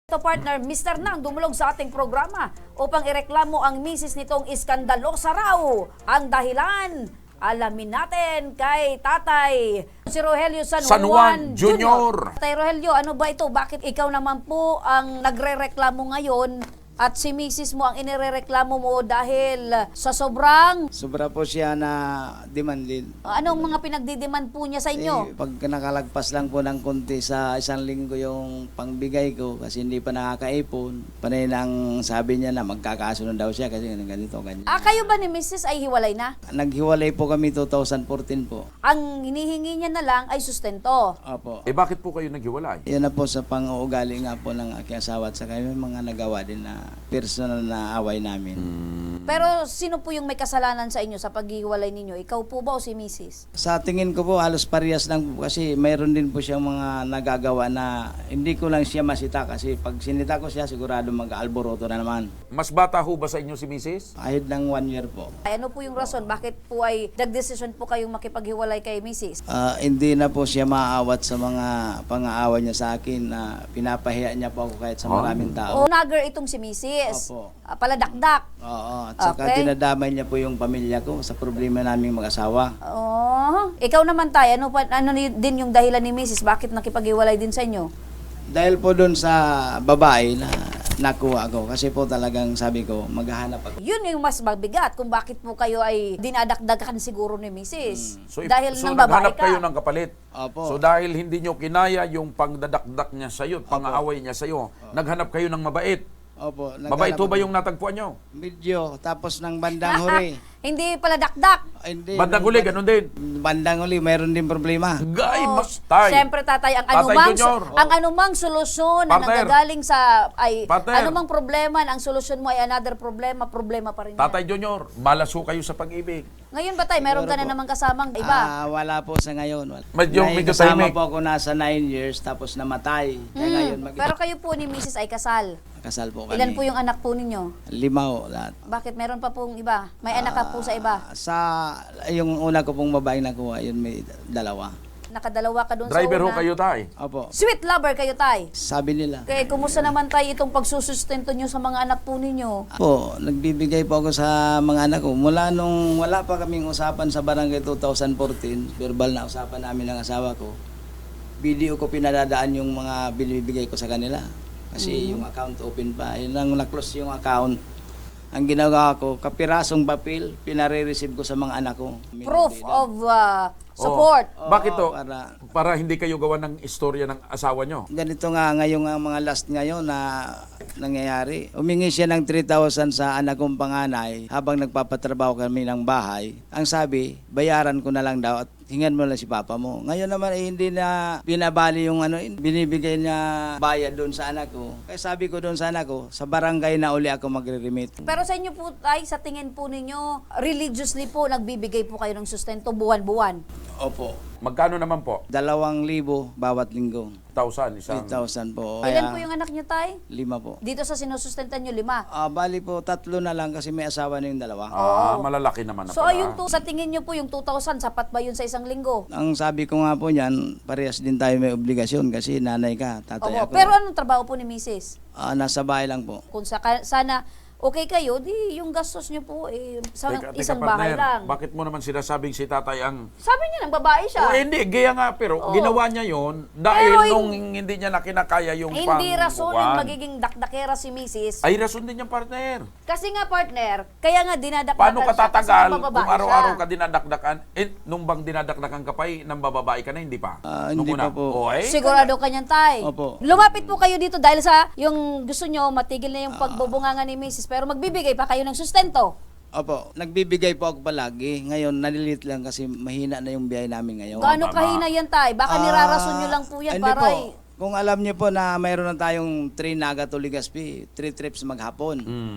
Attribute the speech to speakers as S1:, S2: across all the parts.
S1: Ito partner, Mr. Nang dumulog sa ating programa upang ireklamo ang misis nitong iskandalosa raw. Ang dahilan, alamin natin kay tatay si Rogelio San Juan Jr. Tatay Rogelio, ano ba ito? Bakit ikaw naman po ang nagre-reklamo ngayon at si misis mo ang inirereklamo mo dahil sa
S2: Sobra po siya na demand din.
S1: anong mga pinagdidiman po niya sa inyo?
S2: Pag nakalagpas lang po ng konti sa isang linggo yung pangbigay ko kasi hindi pa nakakaipon, panay nang sabi niya na magkakasunod daw siya kasi ganito, ganyan.
S1: Kayo ba ni misis ay hiwalay na?
S2: Naghiwalay po kami 2014 po.
S1: Ang hinihingi niya na lang ay sustento.
S2: Opo.
S3: Bakit po kayo naghiwalay?
S2: Yan na po sa pang-uugali nga po ng aking asawa at saka may mga nagawa din na personal na away namin.
S1: Pero sino po yung may kasalanan sa inyo sa paghiwalay ninyo? Ikaw po ba o si misis?
S2: Sa tingin ko po halos parehas lang po kasi mayroon din po siyang mga nagagawa na hindi ko lang siya masita kasi pag sinita ko siya sigurado mag-alboroto na naman.
S3: Mas bata ho ba sa inyo si Mrs.?
S2: Ahid ng 1 year po.
S1: Ay, ano po yung rason? Bakit po ay nagdesisyon po kayong makipaghiwalay kay misis?
S2: Hindi na po siya maaawat sa mga pang-aawa niya sa akin na pinapahiya niya po ako kahit sa maraming tao.
S1: O nagger itong si misis?
S2: Opo.
S1: Paladakdak?
S2: Oo, at saka
S1: Okay.
S2: dinadamay niya po yung pamilya ko sa problema naming mag-asawa.
S1: Oh, ikaw naman tayo, ano din yung dahilan ni misis? Bakit nakipaghiwalay din sa inyo?
S2: Dahil po doon sa babae na nakuha ko kasi po talagang sabi ko maghahanap ako.
S1: Yun yung mas mabigat kung bakit po kayo ay dinadakdakan siguro ni misis. Dahil
S3: so
S1: ng babae
S3: naghanap
S1: ka.
S3: kayo ng kapalit.
S2: Opo.
S3: So dahil hindi nyo kinaya yung pangdadakdak niya sa'yo, pang-aaway niya sa'yo, naghanap kayo ng mabait.
S2: Opo.
S3: Mabait ho ba yung natagpuan nyo?
S2: Medyo, tapos ng bandang huli.
S1: Hindi pala dakdak.
S2: Hindi.
S3: Bandang huli, ganun din.
S2: Bandang huli, mayroon din problema.
S3: Gay,
S1: Oh,
S3: tay.
S1: Siyempre tatay,
S3: Tatay Junior.
S1: ang anumang solusyon na
S3: Partner.
S1: nanggagaling sa
S3: Partner.
S1: anumang problema, ang solusyon mo ay another problema pa rin. yan.
S3: Tatay Junior, malas ho kayo sa pag-ibig.
S1: Ngayon ba tay, meron ka na namang kasamang iba?
S2: Wala po sa ngayon. Wala.
S3: Medyo
S2: Kasama
S3: tahimik.
S2: po ako nasa 9 years tapos namatay. Kaya ngayon
S1: Pero kayo po ni Mrs. ay kasal.
S2: kasal po kami.
S1: Ilan po yung anak po ninyo?
S2: 5 po lahat.
S1: Bakit meron pa pong iba? May anak ka po sa iba?
S2: Yung una ko pong babaeng nakuha, yun may 2.
S1: Nakadalawa ka doon sa
S3: Driver ho
S1: una.
S3: kayo, tay.
S2: Opo.
S1: Sweet lover kayo tay.
S2: Sabi nila.
S1: Kaya kumusta naman tay itong pagsusustento nyo sa mga anak po ninyo?
S2: Po, nagbibigay po ako sa mga anak ko. Mula nung wala pa kaming usapan sa barangay 2014, verbal na usapan namin ng asawa ko, video ko pinadadaan yung mga binibigay ko sa kanila. Kasi yung account open pa. Yun lang na-close yung account. Ang ginagawa ko, kapirasong papel, pinare-receive ko sa mga anak ko.
S1: Proof of support.
S3: Bakit to?
S2: Para
S3: Para hindi kayo gawa ng istorya ng asawa nyo.
S2: ganito nga ngayon ang mga last ngayon na nangyayari. Umingi siya ng 3,000 sa anak kong panganay habang nagpapatrabaho kami ng bahay. Ang sabi, bayaran ko na lang daw at hingan mo lang si papa mo. Ngayon naman hindi na binabali yung binibigay na bayad doon sa anak ko. Kaya sabi ko doon sa anak ko, sa barangay na uli ako magre-remit.
S1: Pero sa inyo po ay sa tingin po ninyo, religiously po nagbibigay po kayo ng sustento buwan-buwan.
S2: Opo.
S3: Magkano naman po?
S2: 2,000 bawat linggo.
S3: 1,000 isang.
S2: 3,000 po.
S1: Ilan po yung anak niyo tay?
S2: 5 po.
S1: Dito sa sinusustentan niyo 5.
S2: Bali po, 3 na lang kasi may asawa na yung 2.
S3: Malalaki naman na
S1: So
S3: pala.
S1: ayun to, sa tingin niyo po yung 2,000 sapat ba yun sa isang linggo?
S2: Ang sabi ko nga po niyan, parehas din tayo may obligasyon kasi nanay ka, tatay
S1: Opo.
S2: ako.
S1: Pero anong trabaho po ni Mrs.?
S2: Nasa bahay lang po.
S1: Kung sana okay kayo, di yung gastos niyo po sa
S3: Teka,
S1: isang bahay
S3: partner,
S1: lang.
S3: bakit mo naman sinasabing si tatay ang...
S1: Sabi niya ng babae siya.
S3: hindi, gaya nga, pero
S1: Oo.
S3: ginawa niya yon dahil
S1: Pero
S3: nung hindi niya na kinakaya yung
S1: Hindi rason yung
S3: pangkukuhan.
S1: magiging dakdakera si Mrs.
S3: Ay, rason din yung partner.
S1: Kasi nga partner, kaya nga dinadakdakan
S3: Paano ka
S1: siya kasi
S3: tatagal
S1: mabababae
S3: kung araw-araw
S1: siya.
S3: ka dinadakdakan? Nung bang dinadakdakan ka pa, nang bababae ka na, hindi pa? Nung
S2: Hindi
S3: una?
S2: pa po.
S3: O,
S1: Sigurado ka niyan, tay.
S2: Opo.
S1: Lumapit po kayo dito dahil sa yung gusto nyo, matigil na yung pagbubunganga ni Mrs. Pero magbibigay pa kayo ng sustento.
S2: Opo, nagbibigay po ako palagi. Ngayon, nalilit lang kasi mahina na yung biyahe namin ngayon.
S1: Gaano
S3: tama.
S1: kahina yan, tay? Baka nirarason nyo lang po yan
S2: Hindi
S1: para...
S2: po. Kung alam niyo po na mayroon na tayong 3 Naga to Legazpi, 3 trips maghapon.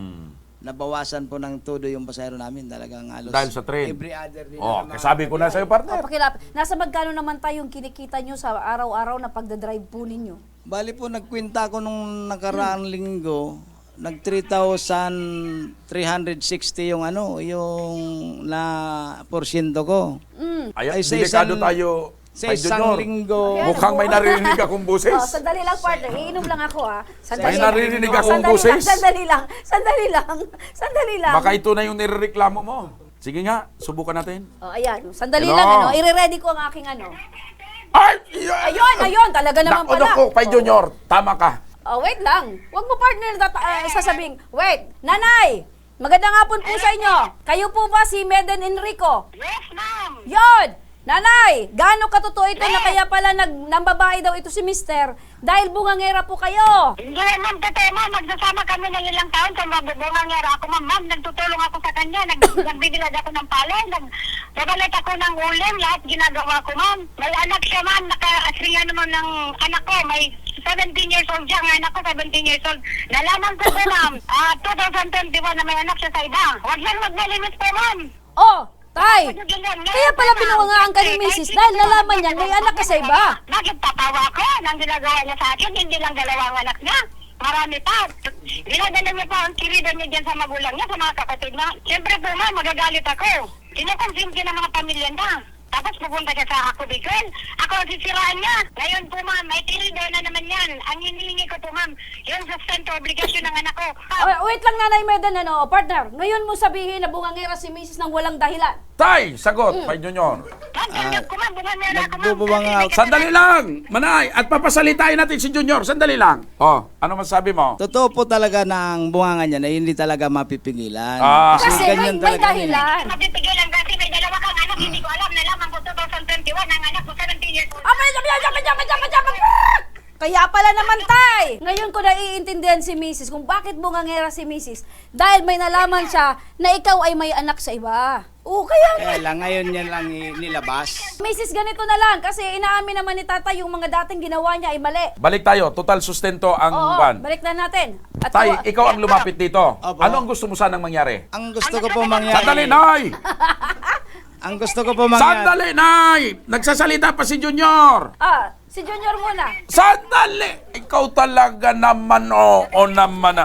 S2: Nabawasan po ng todo yung pasahero namin talagang halos.
S3: Dahil sa train.
S2: Every other day.
S3: Oh,
S2: na
S3: kasabi ko na sa'yo, partner.
S1: Pakilap. Nasa magkano naman tayong kinikita nyo sa araw-araw na pagdadrive po ninyo?
S2: Bali po, nagkwenta ko nung nakaraang linggo, nag 3,360 yung yung na porsyento ko.
S1: Mm.
S3: Ay,
S2: Ay, sa
S3: delikado
S2: isang-
S3: tayo,
S2: Sa
S3: Pai
S2: isang
S3: Junior,
S2: linggo.
S1: Ayan.
S3: mukhang may narinig akong boses.
S1: Oh, sandali lang, partner. Iinom lang ako, ha.
S3: May naririnig akong
S1: Sandali lang,
S3: boses.
S1: Sandali lang. Sandali lang. Sandali lang.
S3: Baka ito na yung nirereklamo mo. Sige nga, subukan natin.
S1: Oh, ayan. Sandali
S3: Hello?
S1: lang, ano. I-ready ko ang aking, ano.
S3: Ay!
S1: Ayun. Talaga naman pala.
S3: Naku, Pai Junior, tama ka.
S1: Oh, wait lang. Huwag mo, partner, sasabing, wait, nanay, magandang hapon po sa inyo. Kayo po ba si Meden Enrico?
S4: Yes, ma'am.
S1: Yon! Nanay, gaano katotoo ito na kaya pala nambabae daw ito si Mister dahil bungangera po kayo?
S4: Hindi, ma'am, totoo, ma'am. Magsasama kami ng ilang taon sa mabubungangera ako, ma'am. Ma'am, nagtutulong ako sa kanya. Nagbibilad ako ng palay. Nagalit ako ng ulam. Lahat ginagawa ko, ma'am. May anak siya, ma'am. Naka-asriya naman ng anak ko. May 17 years old siya. Ang anak ko, 17 years old. Nalaman ko po, ma'am. 2021 na may anak siya sa iba. Huwag yan magmalimit po, ma'am.
S1: Oh, tay! Kaya pala binungangaan ka ni Mrs. dahil nalaman niya may anak ka sa iba.
S4: Bakit tatawa ko nang ginagawa niya sa akin? Hindi lang dalawang anak niya. Marami pa. Ginadala niya pa ang kirida niya dyan sa magulang niya, sa mga kapatid na. Siyempre po, ma'am, magagalit ako. Kinukonsinti ng mga pamilya niya. Tapos pupunta siya sa ako, Bicol. Ako ang sisiraan niya. Ngayon po, ma'am, may kirida na naman yan. Ang hinihingi ko po, ma'am, yung sustento, obligasyon ng anak ko.
S1: Wait lang, Nanay Meden, ano, partner. Ngayon mo sabihin na bungangera si Mrs. nang walang dahilan.
S3: Tay, sagot, Pai Junior.
S4: Ma'am, tanggap ko, ma'am, bumamera ako, ma'am.
S2: Nagbubunganga ako.
S3: Sandali lang, Manay, at papasalitain natin si Junior. Sandali lang. Oh, ano masabi mo?
S2: Totoo po talaga ng bunganga niya na hindi talaga mapipigilan.
S3: Ah.
S1: Kasi may
S2: ganyan talaga yun.
S1: dahilan.
S4: Mapipigilan kasi may dalawa kang anak, hindi ko alam, nalaman ko 2021, ang anak ko 17 years old.
S1: Kaya pala naman, tay! Ngayon ko naiintindihan si Mrs. kung bakit bungangera si Mrs. Dahil may nalaman siya na ikaw ay may anak sa iba. Oo,
S2: Kaya lang, ngayon niya lang nilabas.
S1: Mrs. ganito na lang kasi inaamin naman ni tatay yung mga dating ginawa niya ay mali.
S3: Balik tayo, total sustento ang
S1: Oo,
S3: ban.
S1: balik na natin. At
S3: Tay, ikaw ang lumapit dito.
S2: Opo.
S3: Ano ang gusto mo sanang mangyari?
S2: Ang gusto ko po mangyari.
S3: Sandali, Nay!
S2: Ang gusto ko po mangyari.
S3: Sandali, Nay! Nagsasalita pa si Junior!
S1: si Junior muna.
S3: Sandali! Ikaw talaga naman, oo naman.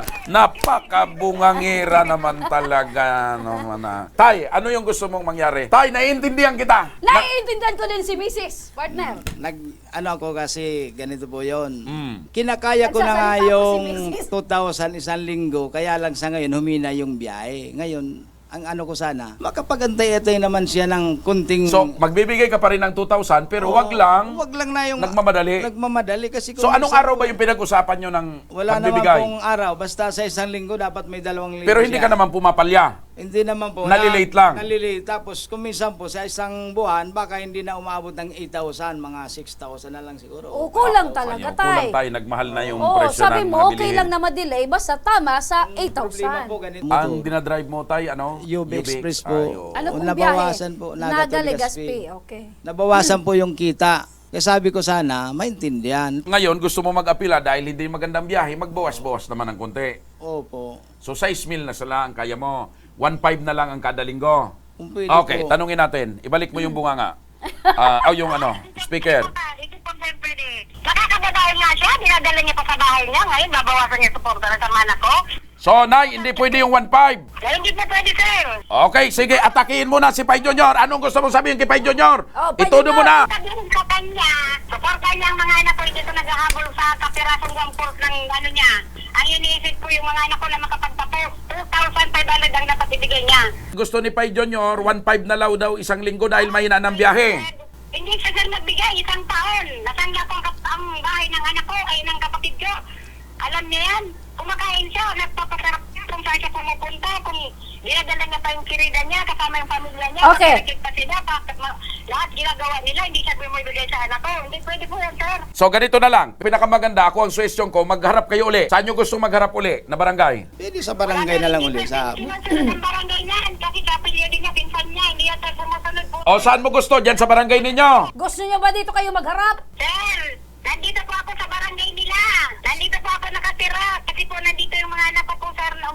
S3: Napakabungangira naman talaga naman. Tay, ano yung gusto mong mangyari? Tay, naiintindihan kita.
S1: Naiintindihan ko din si Mrs. Partner.
S2: Ano ako kasi, ganito po yon.
S3: Mm.
S2: Kinakaya ko na nga
S1: Nagsasalita po
S2: yung
S1: si Mrs.
S2: 2,000 isang linggo, kaya lang sa ngayon humina yung biyahe. Ngayon, ang ano ko sana, makapagantay-atay naman siya ng kunting...
S3: So, magbibigay ka pa rin ng 2,000 pero wag lang
S2: Wag lang na yung...
S3: nagmamadali.
S2: Nagmamadali kasi
S3: So, anong araw ba yung pinag-usapan nyo ng
S2: Wala naman
S3: pagbibigay?
S2: pong araw. Basta sa isang linggo, dapat may 2,000
S3: Pero hindi ka naman pumapalya.
S2: Hindi naman po.
S3: Nalilate lang.
S2: Nalilate. Tapos, kung minsan po, sa isang buwan, baka hindi na umabot ng 8,000, mga 6,000 na lang siguro.
S1: O, kulang talaga,
S3: Kulang
S1: tay.
S3: tayo, nagmahal na yung
S1: Oo,
S3: presyo
S1: sabi
S3: ng
S1: mo,
S3: mga
S1: okay
S3: bilihin.
S1: lang na ma-delay, basta tama sa
S2: Problema po,
S1: 8,000.
S2: ganito.
S3: Ang dinadrive mo tayo, ano?
S2: UB Express po.
S3: Ayo.
S1: Ano pong
S2: Nabawasan
S1: biyahe?
S2: po,
S1: Naga
S2: Naga
S1: Legazpi. Okay.
S2: Nabawasan po yung kita. Kaya sabi ko sana, maintindihan.
S3: Ngayon, gusto mo mag-apila dahil hindi magandang biyahe, magbawas-bawas naman ng konti.
S2: Opo.
S3: So, 6 mil na sila ang kaya mo. 1.5 na lang ang kada linggo.
S2: Kung pwede
S3: Okay,
S2: po.
S3: tanungin natin. Ibalik mo yung bunganga. Yung speaker.
S4: Ito po, sir, pwede. Nakakababae nga siya, dinadala niya pa sa bahay niya. Ngayon, babawasan niya suporta na sa mana ko.
S3: So, Nay, hindi pwede yung 1.5.
S4: Kaya hindi po pwede, sir.
S3: Okay, sige, atakihin mo na si Pai Junior. Anong gusto mong sabihin kay Pai Junior?
S1: Oh, Pai
S3: Itudo mo na.
S4: Sabihin sa kanya, suporta niya ang mga anak ko, hindi ko naghahabol sa kapirasong wamport ng ano niya. Ang iniisip ko yung mga anak ko na makapagtapos, 2,500 ang dapat ibigay niya.
S3: Gusto ni Pai Junior, 1.5 na law daw isang linggo dahil mahina ng biyahe.
S4: Hindi siya sir nagbigay, isang taon. Nasangga ko ang bahay ng anak ko, ay ng kapatid ko. Alam niya yan. Kumakain siya, nagpapasarap siya kung saan siya pumupunta, kung dinadala niya pa yung kirida niya, kasama yung pamilya niya.
S1: Okay.
S4: Kapatid pa sila, lahat ginagawa nila, hindi siya bumibigay sa anak ko. Hindi pwede po yan, sir.
S3: So, ganito na lang. Pinakamaganda, ako ang suwestyon ko, magharap kayo uli. Saan nyo gusto magharap uli na barangay?
S2: Pwede sa barangay na lang uli. Sa...
S4: Hindi man sila ng barangay niyan, kasi kapilya din niya, pinsan niya, hindi yan tayo sumusunod po.
S3: O, saan mo gusto? Diyan sa barangay ninyo?
S1: Gusto niyo ba dito kayo magharap?
S4: Sir, nandito po ako sa barangay nila. Nandito po ako nakatira. Kasi po nandito yung mga anak ko po, sir, na umaharap.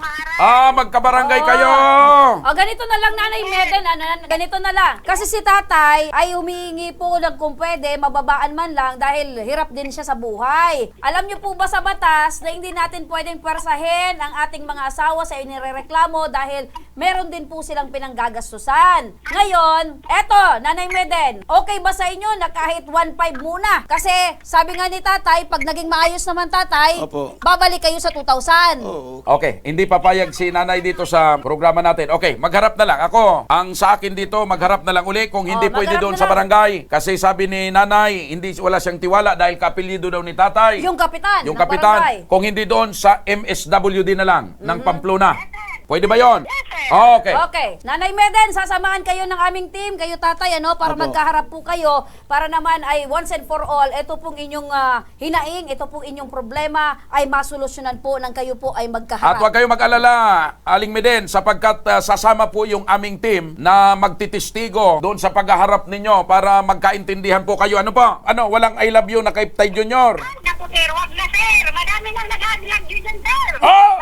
S3: Magkabarangay kayo.
S1: O, ganito na lang, Nanay Meden, ganito na lang. Kasi si tatay ay humihingi po ng kung pwede, mababaan man lang dahil hirap din siya sa buhay. Alam niyo po ba sa batas na hindi natin pwedeng pwersahin ang ating mga asawa sa inirereklamo dahil meron din po silang pinanggagastusan. Ngayon, eto, Nanay Meden, okay ba sa inyo na kahit 1.5 muna? Kasi sabi nga ni tatay, pag naging maayos naman tatay,
S2: Opo.
S1: babalik kayo sa 2,000.
S2: Oo.
S3: Okay, hindi papayag si nanay dito sa programa natin. Okay, magharap na lang. Ako, ang sa akin dito, magharap na lang uli kung hindi pwede
S1: magharap
S3: doon
S1: na
S3: sa
S1: lang.
S3: barangay. Kasi sabi ni nanay, wala siyang tiwala dahil kapilido daw ni tatay.
S1: Yung kapitan
S3: Yung
S1: ng
S3: kapitan.
S1: barangay.
S3: Kung hindi doon sa MSWD na lang, ng Pamplona. Pwede ba yon? Okay.
S1: Okay. Nanay Meden, sasamahan kayo ng aming team, kayo tatay, para
S2: Opo.
S1: magkaharap po kayo, para naman ay once and for all, ito pong inyong hinaing, ito pong inyong problema ay masolusyonan po nang kayo po ay
S3: At
S1: magkaharap.
S3: huwag kayong mag-alala, Aling Meden, sapagkat sasama po yung aming team na magtitistigo doon sa paghaharap ninyo para magkaintindihan po kayo. Ano po? Walang I love you na kay Tay Junior?
S4: Naku, sir, wag na, sir. Madami nang nag-adlag dyan, sir.
S3: Oh!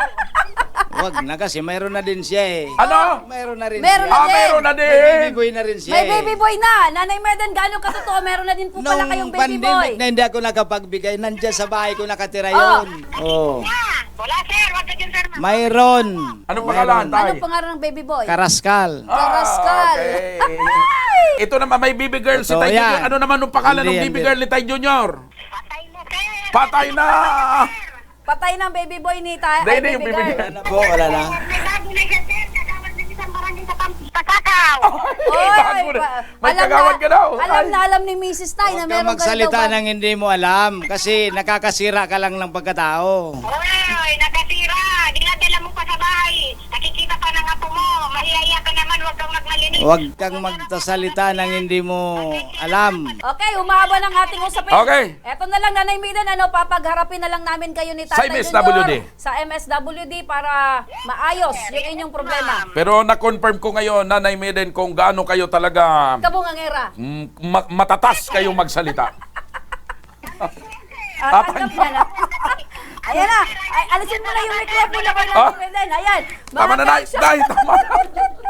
S2: Wag na kasi mayroon na din siya eh.
S3: Ano?
S2: Mayroon na rin
S1: Meron
S2: siya.
S1: na din.
S3: Meron na
S2: May
S3: din.
S2: baby boy na rin siya
S1: May
S2: eh.
S1: baby boy na. Nanay Meden, gaano katotoo? Meron na din po pala kayong
S2: Nung
S1: baby boy.
S2: pandemic na hindi ako nakapagbigay, nandiyan sa bahay ko nakatira yun. Oh.
S4: Wala, sir. Wag na dyan, sir.
S2: Mayroon.
S3: Anong pangalan, Tay?
S1: Anong pangalan ng baby boy?
S2: Karaskal.
S1: Karaskal.
S3: Okay. Ito naman, may baby girl si
S2: Totoo
S3: Tay
S2: yan.
S3: Junior. Ano naman nung pangalan
S2: Hindi
S3: ng
S2: yan,
S3: baby
S2: hindi.
S3: girl ni Tay Junior?
S4: Patay na, sir.
S3: Patay na!
S1: Patay ng baby boy ni Tay.
S3: Hindi,
S1: Ay,
S3: hindi, yung baby girl.
S2: Wala na po, wala na.
S4: May bago na dyan, sir. Kagawad na isang barangay sa Pasakaw.
S3: Bago na. May kagawad ka daw.
S1: Alam ni Mrs. Tay na
S2: Huwag
S1: meron
S2: kang magsalita
S1: daw ba-
S2: ng hindi mo alam kasi nakakasira ka lang ng pagkatao.
S4: Oy, nakasira. Dinadala mo pa sa bahay. Nakikita pa ng apo mo. Mahihiya ka naman. Huwag kang magmalinis.
S2: Huwag kang magsasalita ng hindi mo alam.
S1: Okay, humaba ng ating usapin.
S3: Okay.
S1: Eto na lang, Nanay Miden, papagharapin na lang namin kayo ni
S3: Sa
S1: Tatay
S3: MSWD.
S1: Junior sa MSWD para maayos yung inyong problema.
S3: Pero na-confirm ko ngayon, Nanay Meden, kung gaano kayo talaga
S1: Kabungangera.
S3: matatas kayong magsalita.
S1: Tanggap niya na. Ayan na. Ay, alisin mo na yung microphone na Nanay Miden. Ayan.
S3: Tama na, Nay.
S1: Mga
S3: Nay, tama na.